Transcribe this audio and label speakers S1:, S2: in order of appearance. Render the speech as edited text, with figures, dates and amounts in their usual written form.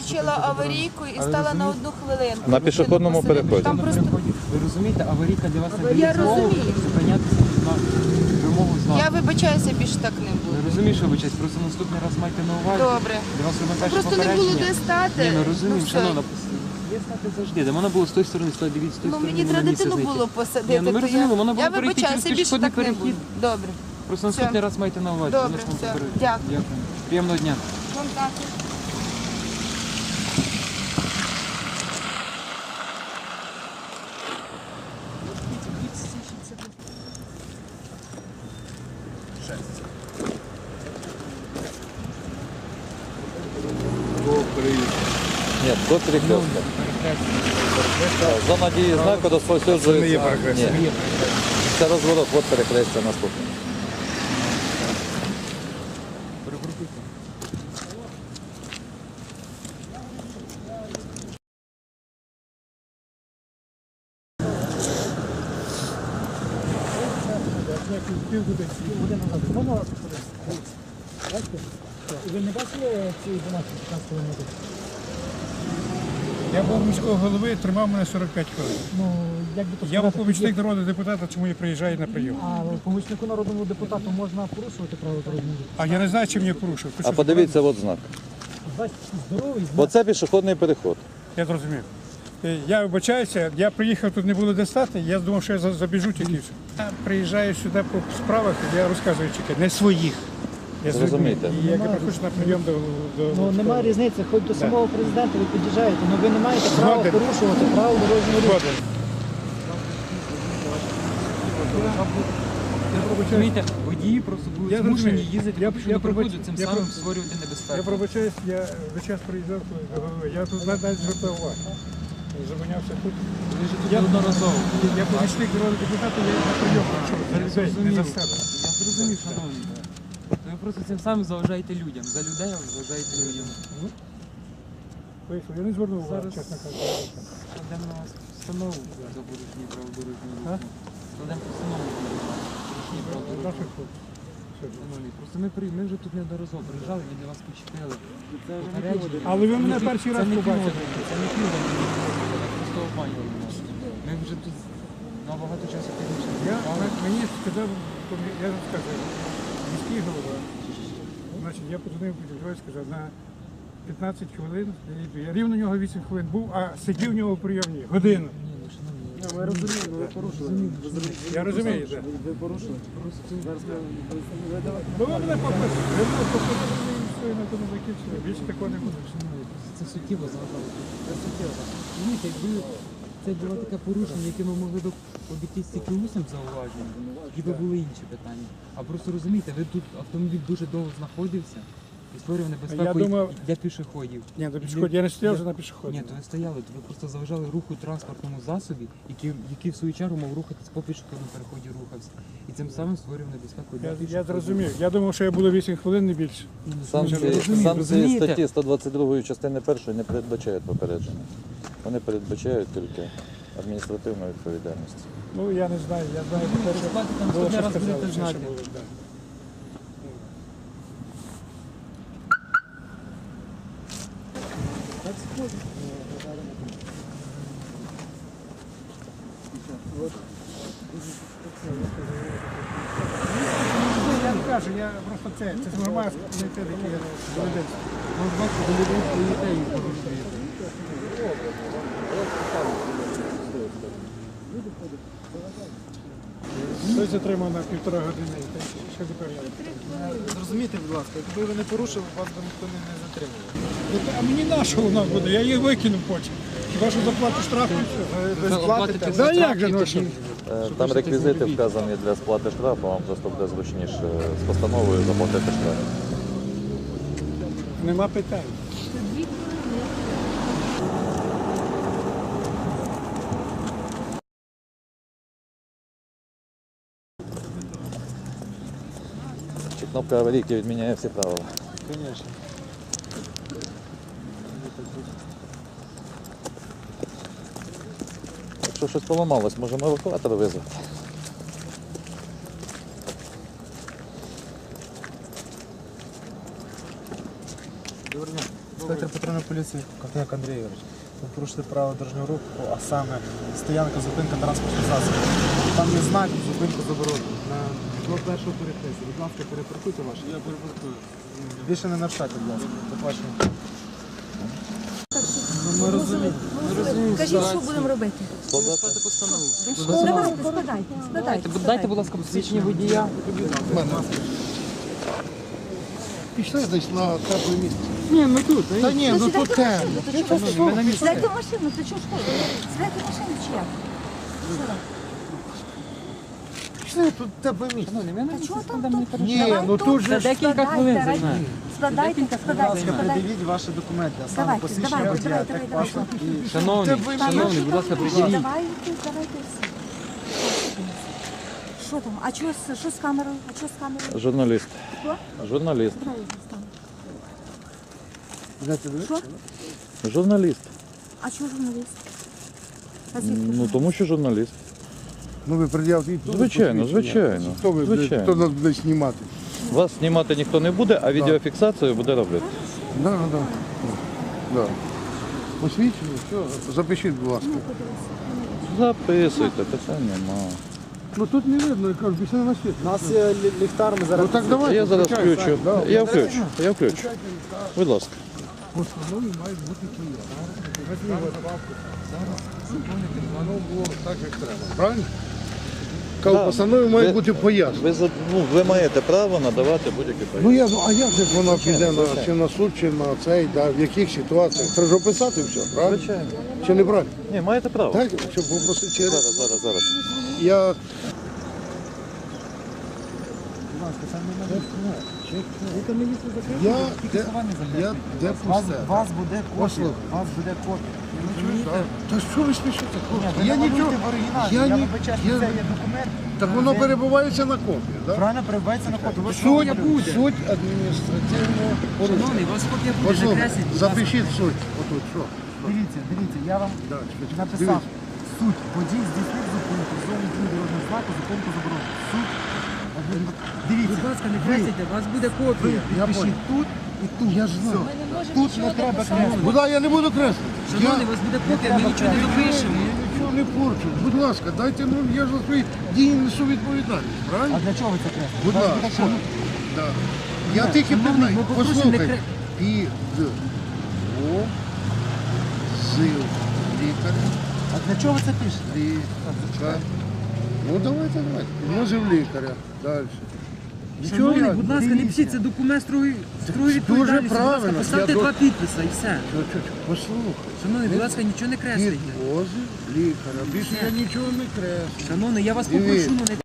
S1: включила аварійку і стала на одну хвилинку.
S2: На пішохідному переході.
S1: Там просто...
S3: Ви розумієте, аварійка для вас не дає
S1: Я
S3: змогу
S1: розумію.
S3: зупинятися на вимогу знаку.
S1: Я вибачаюся, більше так не
S3: Ви
S1: буду.
S3: розумієте, що вибачаюсь, просто наступний раз майте на увазі.
S1: Добре.
S3: Для вас робимо перше
S1: Просто не було
S3: попередження.
S1: де стати.
S3: Ні, ми розуміємо,
S1: Ну,
S3: що
S1: все.
S3: воно є стати завжди. Де вона була з тої сторони, дивіться, з тої
S1: Ну
S3: сторони.
S1: мені
S3: вона
S1: треба
S3: місце
S1: дитину
S3: знайти.
S1: було посадити.
S3: Ні, ну, ми
S1: то
S3: розуміємо, вона
S1: я
S3: була перейти
S1: вибачаюся,
S3: через
S1: більше так не
S3: пішохідний
S1: буду. Добре.
S3: Просто наступний раз майте на увазі.
S1: Добре,
S3: Вона ж вам
S1: все.
S3: попередить.
S1: Дякую.
S3: Дякую. Приємного дня.
S1: Вам також.
S2: Ні, до перехрестка. Зона дії знаку розповсюджується. Ні, це розворот, от перехрестя наступне.
S4: Ви не бачили цієї інформації 15 км? Я був міського голови, тримав мене 45 хвилин.
S5: Ну, як би то
S4: Я був
S5: сказати,
S4: помічник народного депутата, чому я приїжджаю на прийом.
S5: А помічнику народному депутату можна порушувати правила дорожнього руху?
S4: А я не знаю, чим я порушив.
S2: А подивіться, от знак.
S5: Значить, здоровий знак.
S2: Оце пішохідний переход.
S4: Я зрозумів. Я вибачаюся, я приїхав, тут не було де стати, я думав, що я забіжу тільки. все. Я приїжджаю сюди по справах, я розказую чекай, не своїх. Я з людьми.
S2: Зрозумійте.
S4: І як я приходжу на прийом до
S5: Ну, немає різниці, хоч до самого президента ви під'їжджаєте, але ви не маєте права
S4: Згоден.
S5: порушувати правила дорожнього руху.
S4: Згоден.
S3: Розумієте, водії просто будуть
S4: Я
S3: змушені
S4: розумію.
S3: їздити
S4: Я-
S3: по
S4: я
S3: пішому переходу,
S4: пробач-
S3: цим
S4: я
S3: самим
S4: про-
S3: створювати небезпеку.
S4: Я пробачаюсь, я весь час приїжджав до голови. Я тут навіть звертав увагу. Зупинявся тут.
S3: Ви ж тут
S4: Я-
S3: неодноразово.
S4: Я помічник народного депутата, я на прийом прийшов за
S3: Я
S4: людей, не
S3: зрозумів.
S4: за себе.
S3: Я зрозумів, шановні. Ви просто цим самим заважаєте людям. За людей ви заважаєте людям.
S4: Вийшов, я не звернув увагу,
S3: Зараз
S4: чесно кажучи.
S3: складемо на вас постанову за порушення правил дорожнього
S4: А?
S3: руху. Складемо постанову за порушення правил дорожнього
S4: Наших
S3: руху.
S4: хлопців. Все.
S3: Шановні, просто ми вже тут неодноразово приїжджали, ми для вас почепили. Попередження.
S4: Але ви мене перший раз
S3: Це не
S4: побачили.
S3: півгодини, це не півгодини, ви просто обманювали нас. Ми вже тут набагато часу пізніше.
S4: Мені сказав, я вам скажу, міський голова. Значить, я подзвонив Петрові, сказав, на 15 хвилин я йду. Я рівно у нього 8 хвилин був, а сидів у нього в прийомні годину.
S3: Ні, ну шановні,
S6: Ми розуміємо, ви порушили.
S4: Я розумію, так.
S6: Ви порушили. Зараз
S4: Ну ви мене попросили, ви мене попросили, і все, і на тому закінчили. Більше такого не буде.
S3: шановні, це суттєво заважало. Це суттєво. Розумієте, якби це було таке порушення, яке ми могли б обійтись тільки усним зауваженням, тоді б були інші питання. А просто розумієте, ви тут автомобіль дуже довго знаходився і створював небезпеку
S4: Я думав-
S3: для пішоходів.
S4: Ні, до пішоходів. Я не стояв вже на пішоході.
S3: Ні, то ви стояли, то ви просто заважали руху транспортному засобі, який в свою чергу мав рухатись по пішохідному переході рухався. І цим самим створював небезпеку для
S4: Я
S3: пішоходів.
S4: зрозумів. Я думав, що я буду 8 хвилин, не більше.
S3: Ні, ну,
S2: Санкції,
S3: розумієте,
S2: санкції статті 122 частини 1 не передбачають попередження. Вони передбачають тільки адміністративну відповідальність.
S4: Ну, я не знаю, я знаю, те, що
S3: Сплатите там
S4: було,
S3: наступний
S4: що
S3: раз
S4: сказали,
S3: будете
S4: що
S3: знати.
S4: було, да. Я не кажу, я просто це з громадського комітету, який я доведеться.
S3: Ну, бачите, до людей стоїте і порушуєте.
S4: Хтось затримав на 1,5 години. Що тепер я?
S6: Зрозумійте, будь ласка, якби ви не порушили, вас би ніхто не затримував.
S4: А мені на що воно буде? Я її викинув потім. Хіба що заплату штраф і все.
S6: Ви сплатите.
S4: Да як же, ну що?
S2: Там реквізити вказані для сплати штрафу, вам просто буде зручніше з постановою заплатити штраф.
S4: Нема питань.
S2: Чи кнопка аварійки відміняє всі правила?
S3: Звісно.
S2: Якщо щось поламалось, можемо евакуатор визвати.
S3: Доброго дня.
S6: патрульної поліції Ковтоняк Андрій Ігорович. Ви порушили правила дорожнього руху, а саме стоянка, зупинка транспортних засобів. Там є знак, зупинка заборонена. До першого перехрестя. Будь ласка, перепаркуйте ваше. Я перепаркую. Більше не нарушайте, будь ласка. До побачення. Ми розуміємо.
S7: Кажіть, що будемо робити?
S2: Складати
S3: постанову.
S7: Давайте, складайте.
S3: Дайте, будь ласка, посвідчення водія.
S8: Пішли десь на тепле місце.
S3: Ні, ми тут.
S8: Та ні, ну тут темно.
S7: Сідайте в машину, ти чого школи? Сідайте в машину чи як?
S8: Пішли, тут тепле місце.
S7: Та чого там?
S8: Ні, ну тут же
S3: Це
S8: ж...
S3: декілька хвилин займає.
S7: Складайте,
S6: Будь ласка,
S7: складайте.
S6: придивіть ваші документи, а саме
S7: Давайте,
S6: посвідчення
S7: давайте,
S6: водія,
S7: давайте,
S6: техпаспорт і...
S3: Шановний, будь ласка, приділіть.
S7: Давайте всі. Що там? А що з камерою? А що з камерою?
S2: Журналіст.
S7: Хто?
S2: Журналіст.
S7: Що?
S2: Журналіст.
S7: А чого журналіст? А звідки
S2: Ну
S7: журналіст?
S2: тому що журналіст.
S8: Ну ви пред'явте і тут
S2: Звичайно,
S8: посвідчення.
S2: звичайно.
S8: Хто ви,
S2: Звичайно.
S8: хто нас буде знімати?
S2: Вас знімати ніхто не буде, а відеофіксацію буде робити.
S8: Да. Посвідчення, все, запишіть, будь ласка.
S2: Записуйте, питань нема.
S8: Ну тут не видно, я кажу, пішли на світ.
S6: У нас є ліхтар, ми зараз...
S8: Ну так давайте.
S2: Я зараз
S8: включай,
S2: включу.
S8: так, да.
S2: Я включу. Будь ласка.
S8: Постанови мають бути Воно було так, як треба. Правильно? Кажу,
S2: Так.
S8: постанови має бути пояснення.
S2: Ви маєте право надавати будь-які
S8: Ну
S2: пояснення.
S8: а як же вона піде чи на суд, чи на цей, да, в яких ситуаціях? Треба ж описати все, правильно?
S2: Звичайно.
S8: Чи не правильно?
S2: Ні, маєте право.
S8: Так, щоб попросити через.
S2: Зараз.
S8: Я Я де пусте?
S6: Вас буде копія.
S8: Послухай.
S6: Вас буде копія.
S8: Та що ви смішите? хлопці?
S6: Ви
S8: Я
S6: намалюйте
S8: нічого.
S6: в оригіналі.
S8: Я
S6: Я
S8: ні-
S6: вибачаю,
S8: я-
S6: що це є документ.
S8: Так воно
S6: Це
S8: перебувається на копії, так?
S6: Правильно перебувається на копію. Ви
S8: Суть,
S6: що?
S8: суть адміністративного порушення.
S3: Шановний, у вас копія буде
S8: Послухай,
S3: закресліть. будь ласка.
S8: запишіть суть. Отут, що?
S6: Дивіться, я вам
S8: Да, чекай,
S6: написав.
S8: дивіться.
S6: Суть. Водій здійснив зупинку. В зоні дії дорожнього знаку зупинку заборонено. Суть. Дивіться.
S3: Будь ласка, не кресіть, у вас буде копія.
S8: Я
S6: Пишіть тут і тут.
S8: Я ж знаю.
S6: Тут не треба креслити.
S8: Куди я не буду креслити?
S3: Шановний, у вас буде копія, ми нічого не допишемо.
S8: Я нічого не порчу. Будь ласка, дайте нам, я ж за свої дії несу відповідальність,
S6: А
S8: правильно?
S6: для чого ви це креслите?
S8: Будь
S6: У вас буде
S8: ласка.
S6: копія.
S8: Да. Я тільки
S3: Шановний,
S8: питаю,
S3: ми попросимо не
S8: послухайте. Під лікаря.
S6: А для чого ви це пишете?
S8: Лікар. Ну давайте. Підмозив лікаря. Далі.
S3: Шановний, будь ласка, не пишіть, це документ строгої відповідальності. Будь ласка,
S8: правильно.
S3: поставте
S8: Я
S3: два підписи і все.
S8: Послухай.
S3: Шановний, будь ласка, нічого не кресліть.
S8: Підмозив лікаря. Більше я нічого не креслю.
S3: Шановний, я вас
S8: Дивіться.
S3: попрошу, ну не